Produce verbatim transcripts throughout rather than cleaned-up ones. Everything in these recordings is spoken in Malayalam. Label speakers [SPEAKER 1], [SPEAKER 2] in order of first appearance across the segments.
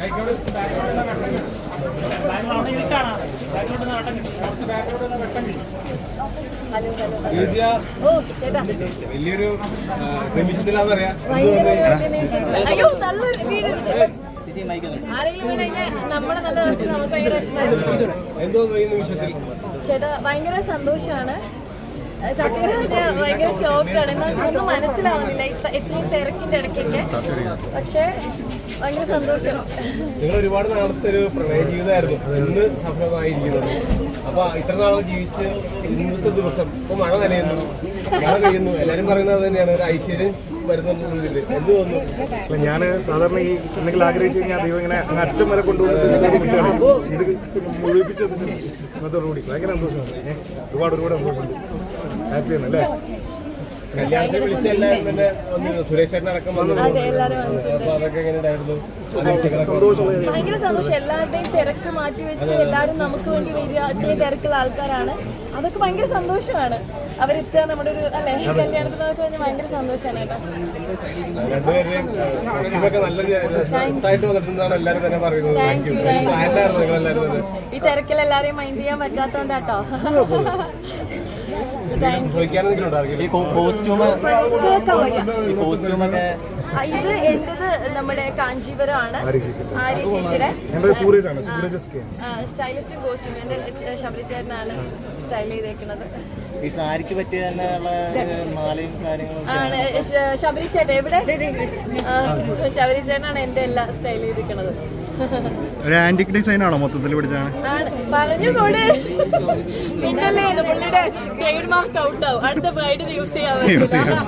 [SPEAKER 1] വലിയൊരു നിമിഷത്തിലാന്ന് പറയാ. എന്തോ ഈ നിമിഷത്തിൽ
[SPEAKER 2] ചേട്ടാ ഭയങ്കര സന്തോഷമാണ്. സത്യം പറഞ്ഞാൽ ഭയങ്കര ഷോക്കാണ്. എന്താ വെച്ചാൽ ഒന്നും മനസ്സിലാവുന്നില്ല ഇത്രയും തിരക്കിന്റെ ഇടയ്ക്കൊക്കെ. പക്ഷേ ഭയങ്കര സന്തോഷം.
[SPEAKER 1] നിങ്ങൾ ഒരുപാട് നാളത്തെ ഒരു പ്രണയ ജീവിതമായിരുന്നു, ഇന്ന് സഫലമായിരിക്കുന്നത്. അപ്പൊ ഇത്ര നാളെ ജീവിച്ച് ഇന്നത്തെ ദിവസം ഇപ്പൊ മഴ നനയുന്നു, മഴ പെയ്യുന്നു, എല്ലാരും പറയുന്നത് തന്നെയാണ് ഒരു ഐശ്വര്യം വരുന്നുണ്ട്. എന്ത് തോന്നുന്നു?
[SPEAKER 3] ഞാൻ സാധാരണ ഈ എന്തെങ്കിലും ആഗ്രഹിച്ചു കഴിഞ്ഞാൽ ദൈവം ഇങ്ങനെ അറ്റം വരെ കൊണ്ടുപോകുന്നത് ഇത് മുഴുവിപ്പിച്ചത് ഇന്നത്തെ റോഡി ഭയങ്കര സന്തോഷമാണ്. ഒരുപാട് ഒരുപാട് സന്തോഷമുണ്ട്. ഹാപ്പിയാണ് അല്ലേ?
[SPEAKER 1] കല്യാണത്തിന് വിളിച്ച എല്ലാവരും തന്നെ സുരേഷ് ചേട്ടൻ അടക്കം വന്നു. അപ്പൊ അതൊക്കെ എങ്ങനെയായിരുന്നു?
[SPEAKER 2] ഭയങ്കര സന്തോഷം. എല്ലാവരുടെയും തിരക്ക് മാറ്റി വെച്ച് എല്ലാവരും നമുക്ക് വേണ്ടി വരിക. അത്രയും തിരക്കുള്ള ആൾക്കാരാണ്. അതൊക്കെ ഭയങ്കര സന്തോഷമാണ്. അവരെത്തുക നമ്മുടെ ഒരു അല്ലെ കല്യാണത്തിനൊക്കെ കഴിഞ്ഞാൽ ഭയങ്കര സന്തോഷമാണ് കേട്ടോ.
[SPEAKER 1] രണ്ടുപേരെയും നല്ല രസമായിട്ട് വന്നിട്ടുണ്ടെന്നാണ് എല്ലാവരും തന്നെ പറയുന്നത്.
[SPEAKER 2] ഈ തിരക്കിൽ എല്ലാരെയും മൈൻഡ് ചെയ്യാൻ പറ്റാത്തോണ്ടാട്ടോ. ഇത് എന്റേത് നമ്മുടെ കാഞ്ചീപുരമാണ്. ആര്യ ചേച്ചിയുടെ സ്റ്റൈലിസ്റ്റും കോസ്റ്റ്യൂം എന്റെ ശബരി ചേട്ടനാണ് സ്റ്റൈൽ ചെയ്തേക്കുന്നത്.
[SPEAKER 4] ഈ സാരിക്ക് പറ്റിയ മാലയും കാര്യങ്ങളും
[SPEAKER 2] ആണ് ശബരി ചേട്ടൻ. എവിടെ? ശബരി ചേട്ടനാണ് എന്റെ എല്ലാം സ്റ്റൈൽ ചെയ്തിരിക്കുന്നത്.
[SPEAKER 3] ഒരു ആന്റിക് ഡിസൈൻ ആണോ മൊത്തത്തിൽ പിടിച്ചാണ്?
[SPEAKER 2] പറഞ്ഞുകൂടെ പിന്നല്ലേ പുള്ളിയുടെ ട്രേഡ് മാർക്ക് ഔട്ട് ആവും. അടുത്ത ബ്രൈഡിന് യൂസ് ചെയ്യാൻ പറ്റില്ല.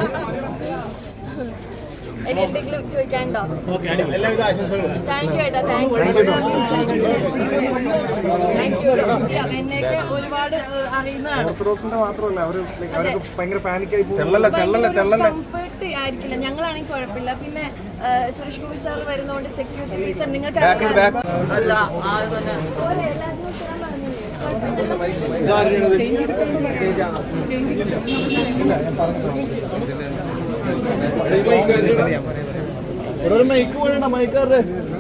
[SPEAKER 2] ഇനി എന്തെങ്കിലും ചോദിക്കാനുണ്ടോ? താങ്ക് യു ഏട്ടാ. Thank you. എന്നെയൊക്കെ ഒരുപാട് അറിയുന്നതാണ്. കംഫർട്ട് ആയിരിക്കില്ല. ഞങ്ങളാണെങ്കിൽ കുഴപ്പമില്ല. പിന്നെ സുരേഷ് ഗോപി സാർ വരുന്നതുകൊണ്ട് സെക്യൂരിറ്റി റീസൺ നിങ്ങൾക്ക്
[SPEAKER 3] മൈക്ക് വേണ്ട മൈക്കാരുടെ